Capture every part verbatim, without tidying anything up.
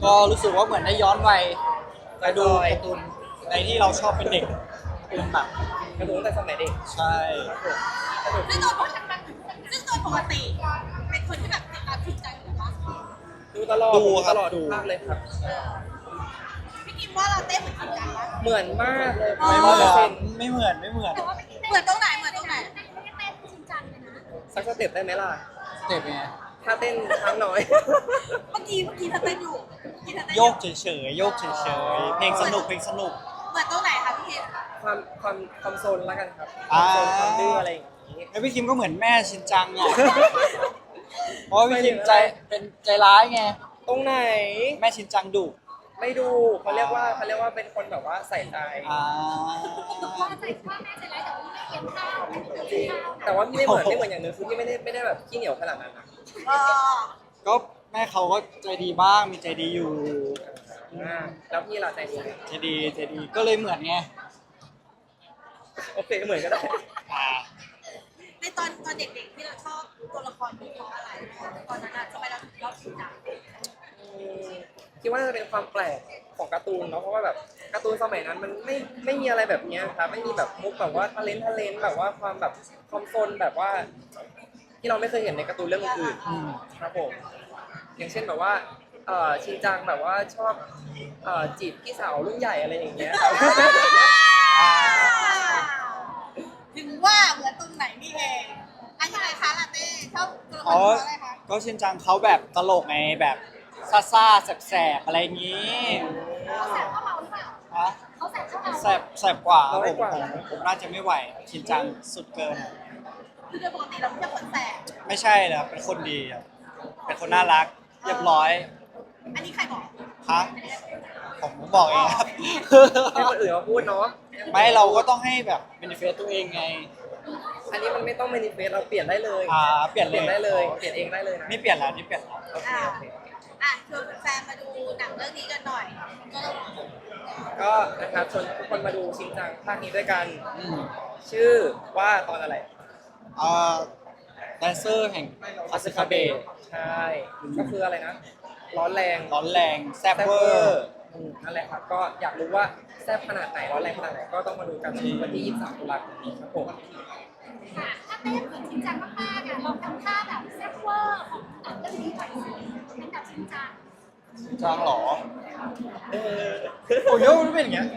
ก็รู้สึกว่าเหมือนได้ย้อนวัยไปดูการ์ตูนในที่เราชอบเป็นเด็กเป็นแบบการ์ตูนตั้งแต่สมัยเด็กใช่ซึ่งโดยปกติซึ่งโดยปกติเป็นคนที่แบบติดตามจริงจังอยู่ปะดูตลอดดูครับตลอดดูภาคเลยครับพี่กิมว่าเราเต้นเหมือนจริงจังปะเหมือนมากเลยไม่ร้เหอยมืเปอร์เซ็อนนต์ไม่เหมือนไม่เหมือนเหมือนตรงไหนเหมือนตรงไหนสักสเต็ปได้ไหมล่ะสเต็ปไงถ้าเต้นค้างน้อยเมื่อกี้เมื่อกี้เธอเต้นอยู่เมื่อกี้เธอเต้นอโยกเฉยๆโยกเฉยๆเพลงสนุกเพลงสนุกเหมือนตรงไหนคะพี่กิมความความความโซนแล้วกันครับคอ่าวามโซนความดื้ออะไรอย่างนี้แล้วพี่คิมก็เหมือนแม่ชินจังอ่ะ เพราะว่าพี่คิมใจเป็นใจร้ายไงตรงไหนแม่ชินจังดุไม่ดูเขาเรียกว่าเขาเรียกว่าเป็นคนแบบว่าใส่ใจอ่าพ่อใจพ่อแม่ใจร้ายแต่ว่าไม่เลี้ยงข้าวไม่จเลี้ริยงงข้าวแต่ว่าพี่ไม่เหมือนไม่เหมือนอย่างหนึงคือพี่ไม่ได้ไม่ได้แบบขี้เหนียวขนาดนั้นนะเออก็แม่เขาก็ใจดีบ้างมีใจดีอยู่อ่าแล้วพี่ล่ะใจดีไหมใจดีใจดีก็เลยเหมือนไงโอเคเหมือนก็ได้อ่าในตอนตอนเด็กๆที่เราชอบตัวละครนี้เพราะอะไรตอนนั้นอะทำไมเราถึงชอบจริงจังอืมคิดว่าน่าจะเป็นความแปลกของการ์ตูนเนาะเพราะว่าแบบการ์ตูนสมัยนั้นมันไม่ไม่มีอะไรแบบเนี้ยครับไม่มีแบบมุกแบบว่าทะเลนทะเลนแบบว่าความแบบความซนแบบว่า ที่เราไม่เคยเห็นในการ์ตูนเรื่องอื่นอืมๆครับผมอย่างเช่นแบบว่าเอ่อชินจังแบบว่าชอบเอ่อจีบพี่สาวรุ่นใหญ่อะไรอย่างเงี้ยครับอ่าถึงว่าเหมือนตรงไหนนี่เองอันยังไงคะลาเต้ชอบตัวละครอ๋อเพราะอะไรคะก็ชินจังเขาแบบตลกไงแบบซ่าซ่าๆแสบๆอะไรอย่างงี้เขาแสบเข้าเราหรือเปล่าฮะเขาแสบเข้าเราแสบแสบกว่าครับน้ผอยมกว่าผมผมน่าจะไม่ไหวชินจังสุดเกินคือโดยปกติเราไม่ใช่คนแสบไม่ใช่นะครับเป็นคนดีครับเป็นคนน่ารักเรียบร้อยอันนี้ใครบอกฮะผมบอกเองครับให้คนอื่นมาพูดเนาะไม่เราก็ต้องให้แบบเบนฟิตตัวเองไงอันนี้มันไม่ต้องเมนิเฟสเราเปลี่ยนได้เลยอ่าเปลี่ยนเปเลลี่ยยนได้เลยเปลี่ยนเองได้เลยนะนี่เปลี่ยนแล้วนี่เปลี่ยนแล้วโอเคอ่าโอเคอ่ะชวนแฟนๆมาดูหนังเรื่องนี้กันหน่อยก็ก็นะครับชวนทุกคนมาดูชินจังภาคนี้ด้วยกันอืมชื่อว่าตอนอะไรอ่าแดนเซอร์แห่งคาสคาเบะใช่ ก็คืออะไรนะ ร้อนแรงร้อนแรงแซ่บแซ่บเวเวออร์ร์อืมนั่นแหละครับ ก็อยากรู้ว่าแซ่บขนาดไหน ร้อนแรงขนาดไหน ก็ต้องมาดูกันวันที่ ยี่สิบสาม ตุลาคมนี้ครับผมค่ะถ้าเต้นเหมือนจริงจังมากๆอ่ะลองทำท่าแบบแซ่บเวอร์ของหนังเรื่องนี้หน่อยสิเป็นแบบจริงจังจางเหรอเออโอ้ยมันเป็นอย่างเงี้ย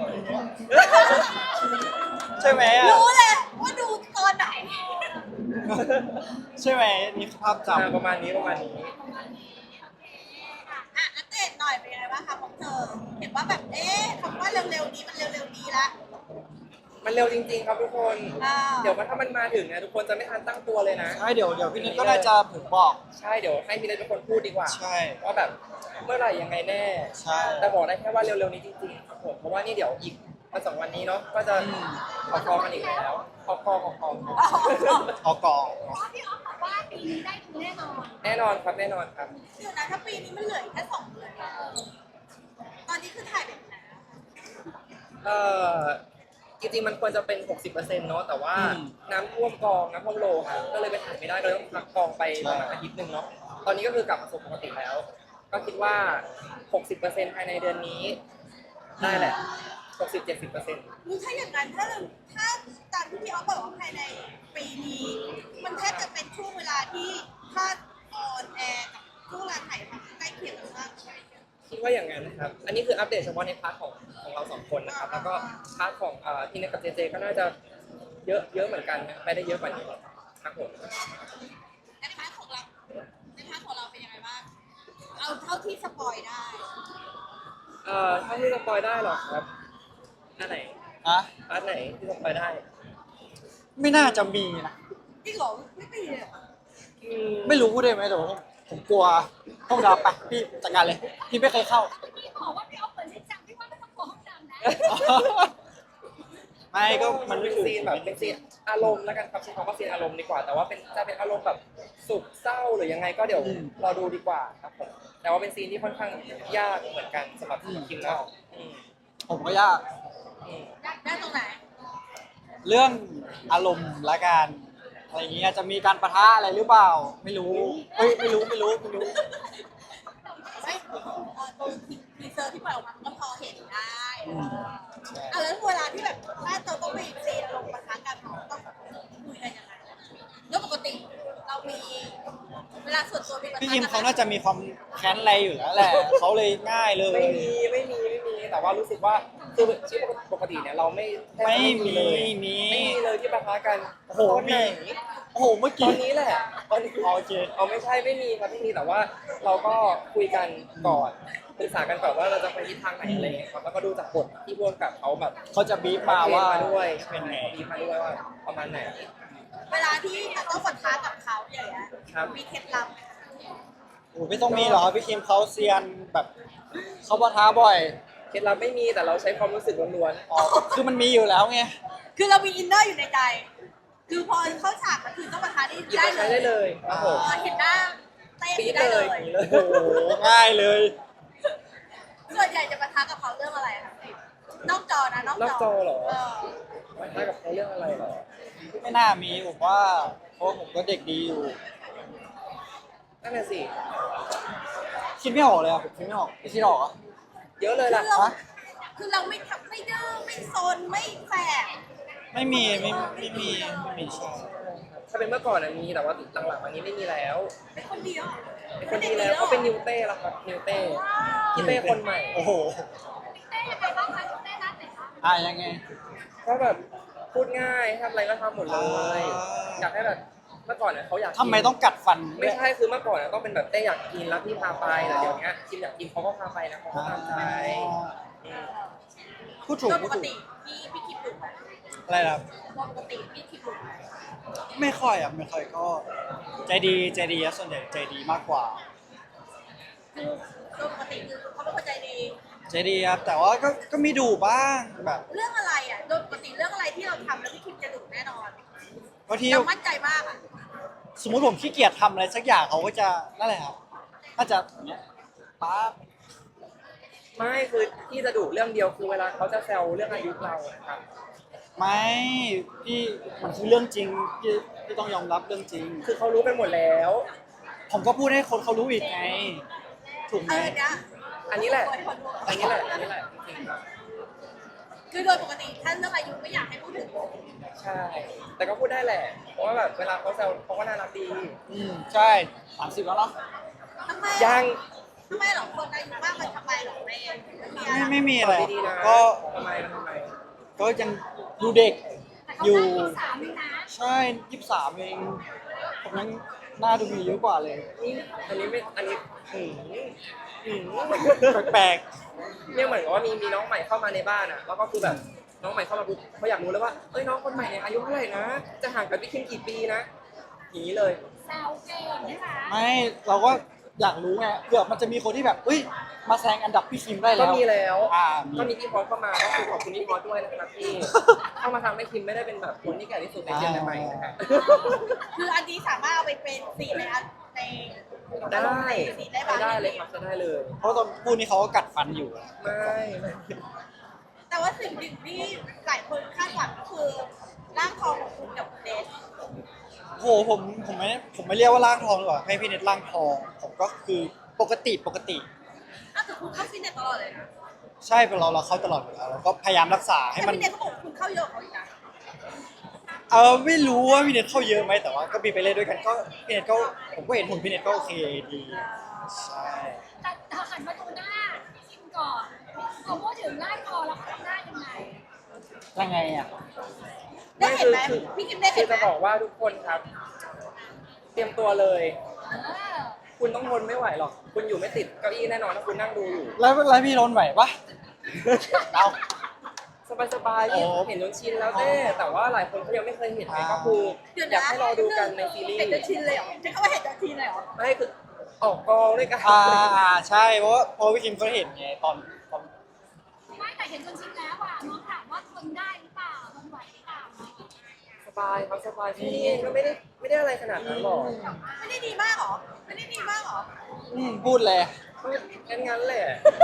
ใช่ไหมอ่ะรู้เลยว่าดูตอนไหนใช่ไหมนี่ภาพจอ่าประมาณนี้ประมาณนี้อ่ะอัปเดตหน่อยเป็นยังไงบ้างคะของเธอ เห็นว่าแบบเอ๊ะคำว่าเร็วๆนี้มันเร็วๆนี้ละมันเร็วจริง ๆ ครับทุกคนอ่าเดี๋ยวมันถ้ามันมาถึงนะทุกคนจะไม่ทันตั้งตัวเลยนะำใช่เดี๋ยวเดี๋ยวพี่นิดก็น่าจะผมบอกใช่เดี๋ยวให้พี่เล็กเป็นคนพูดดีกว่าใช่ว่าแบบเมื่อไหร่ยังไงแน่ใช่แต่บอกได้แค่ว่าเร็วๆนี้จริงๆครับผมเพราะว่านี่เดี๋ยวอีกวันสองวันนี้เนาะก็จะอืมขอคองกันอีกแล้วขอคองขอคองเอากองเพราะว่าพี่ออฟบอกว่าปีนี้ได้ดูแน่นอนแน่นอนครับแน่นอนครับเดี๋ยวนะถ้าปีนี้มันเหลืออีกแค่สองเดือนอะตอนนี้คือถ่ายแบบไหนอะเอ่อจริงๆมันควรจะเป็น หกสิบเปอร์เซ็นต์ เนาะแต่ว่าน้ำท่วมกองน้ำท่วมโลครับก็เลยไปถ่ายไม่ได้ก็เลยต้องพักกองไปประมาณอาทิตย์หนึ่งเนาะตอนนี้ก็คือกลับมาสู่ปกติแล้ว ก็คิดว่า หกสิบเปอร์เซ็นต์ ภายในเดือนนี้ ได้แหละ หกสิบเจ็ดสิบเปอร์เซ็นต์รู้ถ้าอย่างนั้นถ้าเราถ้าตามที่พี่ออฟบอกว่าภายในปีนี้ มันแทบจะเป็นช่วงเวลาที่ถ้าออนแอร์กับช่วงเวลาถ่ายทำใกล้เคียงกันมากคิดว่าอย่างนั้นนะครับ อันนี้คืออัปเดตเฉพาะในพาร์ทของของเราสองคนนะครับ แล้วก็พาร์ทของเอ่อที่เนทกับเจเจก็น่าจะเยอะเยอะเหมือนกันนะไปได้เยอะกว่านี้ครับผมในพาร์ทของเราในพาร์ทของเราเป็นยังไงบ้าง เอาเท่าที่สปอยได้เอ่อถ้าที่สปอยได้หรอครับอันไหนอะพาร์ทไหนที่สปอยได้ไม่น่าจะมีนะจริงเหรอไม่มีเลยเหรออืมไม่รู้ได้ไหมแต่ว่าผมกลัวห้องดำไปพี่จัดการเลย พี่ไม่เคยเข้าพี่บอกว่าพี่ออฟเหมือนจริงจังพี่ว่าไม่ต้องกลัวห้องดำนะไม่ก็มัมัน นเป็นซีนแบบเป็นซีนอารมณ์แล้วกันครับใช้คำว่าซีนอารมณ์ดีกว่า แต่ว่าเป็นจะเป็นอารมณ์แบบสุขเศร้าหรือยังไงก็เดี๋ยวรอดูดีกว่าครับผมแต่ว่าเป็นซีนที่ค่อนข้างยากเหมือนกันสำหรับคิมนะอืมผมก็ยากอืมได้ตรงไหนเรื่องอารมณ์ละกันอะไรอย่างเงี้ยจะมีการปะทะอะไรหรือเปล่า ไม่รู้เฮ้ยไม่รู้ไม่รู้ไม่รู้ไม่เอ่อตรงคิมเขาน่าจะมีความแค้นอะไรอยู่แล้วแหละเขาเลยง่ายเลยไม่มีไม่มีไม่มีแต่ว่ารู้สึกว่าคือชีวิตปกติเนี่ยเราไม่แทบไม่จะมีเลยมีไม่มีเลยที่ปะทะกันโอ้โหตอนไหนมี โอ้โหเมื่อตอกี้นนี้แหละตอนนี้อ๋อโอเคเอาไม่ใช่ไม่มีครับไม่มีแต่ว่าเราก็คุยกันก่อนปรึกษากันก่อนว่าเราจะไปทิศทางไหนอะไรอย่างเงี้ยครับแล้วก็ดูจากบทที่ร่วมกับเขาแบบเขาจะบีบมาว่าเทรนด้วยเป็นไงบีบมาด้วยว่าประมาณไหนเวลาที่จะต้องปะทะกับเขาอย่างเงี้ยครับมีเคล็ดลับโอ้โหไม่ต้องมีหรอกครับพี่คิมเขาเซียนแบบเขาปะทะบ่อยเคล็ดลับไม่มีแต่เราใช้ความรู้สึกล้วนอ๋อคือมันมีอยู่แล้วไงคือเรามีอินเนอร์อยู่ในใจ คือพอเข้าฉากมันคือต้องปะทะได้ๆหยิบได้มาใช้ได้เลยครับผมพอเห็นหน้าเต้ปี๊ดได้เลเลย ยอย่างนี้เลยโอ้โหง่ายเลยส่วนใหญ่จะปะทะกับเขาเรื่องอะไรคะนอกจอนะนอกนอกจอเหรอเออมาท้ากับเขาเรื่องอะไรเหรอไม่น่ามีผมว่าเพราะผมก็เด็กดีอยู่นั่นน่ะสิคิดไม่ออกเลยอะผมคิดไม่ออกพี่คิดออกเหรอะเยอะเลยคือล่ะเราฮะคือเราไม่ทำไม่ดื้อไม่ซนไม่แสบไม่มีไม่ไม่มีไม่มีใช่ถ้าเป็นเมื่อก่อนน่ะมีแต่ว่าหลังๆอันนี้ไม่มีแล้วเป็นคนเดียวเป็นคนดีแล้วเขาเป็นนิวเต้แล้วครับนิวเต้นิวเต้คนใหม่โอ้โหเต้ยังไงบ้างคะเต้นัดไหนคะอ่ะยังไงก็แบบพูดง่ายทำอะไรก็ทำหมดเลยอ่าอยากให้แบบเมื่อก่อนน่ะเขาอยากกินทำไมต้องกัดฟันไม่ใช่คือเมื่อก่อนน่ะต้องเป็นแบบเต้อยากกินแล้วพี่พาไปแต่เดี๋ยวนี้คิมอยากกินเขาก็พาไปนะเขาก็ตามใจอืมพูดถูกโดยปพูดกถูกติพี่พี่คิดดุไหมอะไรนะครับโดยปกติพี่คิดดุไหมไม่ค่อยอ่ะไม่ค่อยก็ ใจดีใจดีอะส่วนใหญ่ใจดีมากกว่าคือโดยปกติคือเขาเป็นคนใจดีใจดีครับแต่ว่าก็ก็มีดุบ้างแบบเรื่องอะไรอ่ะ โดยปกติเรื่องอะไรที่เราทำแล้วพี่คิมจะดุแน่นอนบางทีเรามั่นใจมากอ่ะสมมุติผมขี้เกียจทำอะไรสักอย่างเขาก็จะนั่นแหละครับน่าจะอย่างเงี้ยป๊าบไม่คือที่จะดุเรื่องเดียวคือเวลาเขาจะแซวเรื่องอายุเรานะครับไม่พี่มันคือเรื่องจริงพี่พี่ต้องยอมรับเรื่องจริงคือเขารู้กันหมดแล้วผมก็พูดให้คนเขารู้อีกไง ถูกไหเอมอเนี่ยอันนี้แหละโดยคนรู้อันนี้แหละอันนี้แหละจริงๆครับคือโดยปกติท่านเรื่องอายุไม่อยากให้พูดถึงใช่ แต่ก็พูดได้แหละ เพราะว่าแบบเวลาเขาแซวเขาก็น่ารักดีอืมใช่สามสิบแล้วเนาะทำไมยังทำไมหรอคนอายุมากมันทำไมหรอแม่ไม่มีอะไม่ไรไม่มีอะไรดีๆนะก็ทำไมทำไมก็ยังดูเด็กแต่เขาอยู่ได้ที่สามเลยนะใช่ยี่สิบสามเองผมยังหน้าดูมีเยอะกว่าเลยนี่อันนี้ไม่ อันนี้อืมอืมแปลกเนี่ยเหมือนกับว่ามีมีน้องใหม่เข้ามาในบ้านอ่ะ แล้วก็คือแบบน้องใหม่เข้ามาปุ๊บเขาอยากรู้แล้วว่า เอ้ยน้องคนใหม่เนี่ยอายุเท่าไหร่นะ จะห่างกับพี่คิมกี่ปีนะอย่างนี้เลยแซวเก่งนะคะๆไม่เราก็อยากรู้ไงเผื่อมันจะมีคนที่แบบเฮ้ยมาแซงอันดับพี่คิมได้ก็แล้วมีแล้วอ่าก็มีมีพี่พอสเข้ามาก็คือขอบคุณพี่พอสด้วยนะครับที่ เข้ามาทำให้คิมไม่ได้เป็นแบบคนที่แก่ที่สุดในเจนใหม่นะฮะคืออันนี้สามารถเอาไปเป็นสีในอันในได้สีได้บ้างได้เลยครับจะได้เลยเพราะตอนพูดนี้เขาก็กัดฟันอยู่ไม่ไม่แต่ว่าสิ่งหนึ่งที่หลายคนคาดหวังก็คือร่างทองของคุณกับคุณเดชโหผมผมไม่ผมไม่เรียกว่าร่างทองหรอกว่าให้พี่เน็ตร่างทอง ผมก็คือปกติปกติอ้าวแต่คุณเข้าฟิตเนสตลอดเลยนะใช่เป็นเราเราเข้าตลอดอยู่แล้วเราก็พยายามรักษาให้แต่มันพี่เดชเขาบอกว่าคุณเข้าเยอะกว่าเขาอีกนะเออไม่รู้ว่าพี่เน็ตเข้าเยอะไหมแต่ว่าก็มีไปเล่นด้วยกันก็พี่เน็ตก็ผมก็เห็นหุ่นพี่เน็ตก็โอเคดีใช่แต่เธอหันมาดูหน้าพี่คิมก่อนพอพูดถึงหน้าคอแล้วเขาทำหน้ายังไงยังไงอ่ะได้เห็นไหมคือพี่คิมได้คืเห็อนไหมจะบอกว่าทุกคนครับ เตรียมตัวเลยเออคุณต้องทนไม่ไหวหรอก คุณอยู่ไม่ติดเก้าอี้แน่นอนถ้าคุณนั่งดูอยู่แล้วแล้วพี่รนไหวปะเอาสบายๆที่โอ้เห็นจนชินแล้วเต้แต่ว่าหลายคนเขายังไม่เคยเห็นไงอ่าก็คือเดี๋ยวอยากนะให้รอดูกันในซีรีส์เห็นจะชินเลยเหรอใช้คำว่าเห็นจะชินเลยเหรอไม่คือออกกองด้วยกันอ่าอ่าใช่เพราะว่าเพราะพี่คิมเขาเห็นไงตอนตอนไม่แต่เห็นจนชินแล้วอ่ะน้องถามว่าทนได้หรือเปล่าทนไหวหรือเปล่าสบายครับสบายที่นี่ก็ไม่ได้ไม่ได้อะไรขนาดนั้นหรอกไม่ได้ดีมากเหรอ ไม่ได้ดีมากเหรออืมพูดเลยก็งั้นงั้นๆแหละ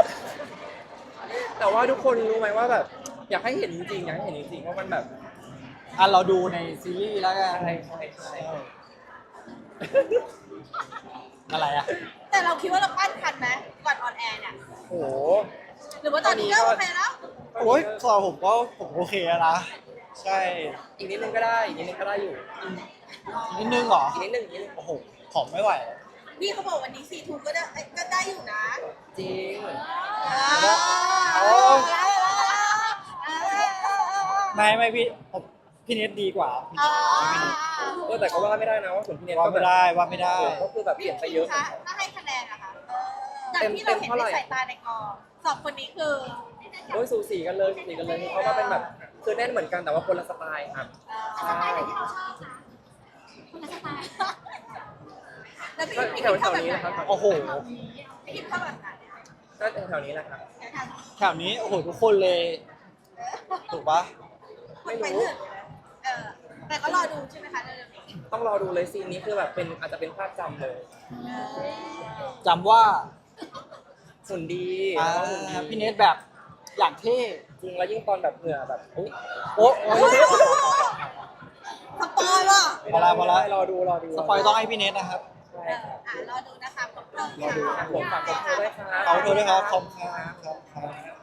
แต่ว่าทุกคนรู้ไหมว่าแบบ อยากให้เห็นจริงๆอยากให้เห็นจริงๆว่ามันแบบอ่ะเราดูในซีรีส์แล้วกันอะไรใช่ใช่อะไรอ่ะแต่เราคิดว่าเราปั้นทันไหมก่อนออนแอร์เนี่ยโอ้โหหรือว่าตอนนี้ก็โอเคแล้วโอ้ยสำหรับผมก็ผมโอเคแล้วนะใช่อีกนิดนึงก็ได้อีกนิดนึงก็ได้อยู่นิดนึงเหรออีกนิดนึงอีกนิดนึงโอ้โหผอมไม่ไหวพี่เขาบอกวันนี้ซีทูก็ได้ก็ได้อยู่นะจริงไม่ไม่พี่ผมพี่เน็ตดีกว่าเออแต่ก็ว่าไม่ได้นะว่าส่วนพี่เน็ตว่าก็แบไม่บได้ว่าไม่ได้ก็คือแบบเปลี่ยนไปเยอะคะถ้าให้คะแนนอะคะจากที่เราเห็นในสายตาในกองสองคนนี้คือโอ้ยสูสีกันเลยสูสีกันเลยเขาก็เป็นแบบคือแน่นเหมือนกันแต่ว่าคนละสไตล์ครับสไตล์ไหนที่เราชอบนะคนละสไตล์แล้วพี่ก็พี่แถคิวดแถเข้าว แบบนี้ไหนนะครับโอ้โหพี่คิดเข้าแบบไหนก็แถวนี้แหละครับแถวนี้โอ้โหทุกคนเลยถูกปะไม่รู้เออแต่ก็รอดูใช่ไหมคะเร็วๆนี้ต้องรอดูเลยซีนนี้คือแบบเป็นอาจจะเป็นภาพจำเลยจำว่าหุ่นดีอ่าแล้วก็หุ่นดีพี่เน็ตแบบอย่างเท่จริงแล้วยิ่งตอนแบบเหงื่อแบบอุ๊ยโอ้โอ้ยสปอยว่ะพอละพอละรอดูรอดูสปอยต้องให้พี่เน็ตนะครับใช่เอออ่ะรอดูนะคะขอบคุณรอดูค่ะผมฝากผมด้วยครับเอาด้วยนะครับขอบคุณครับครับ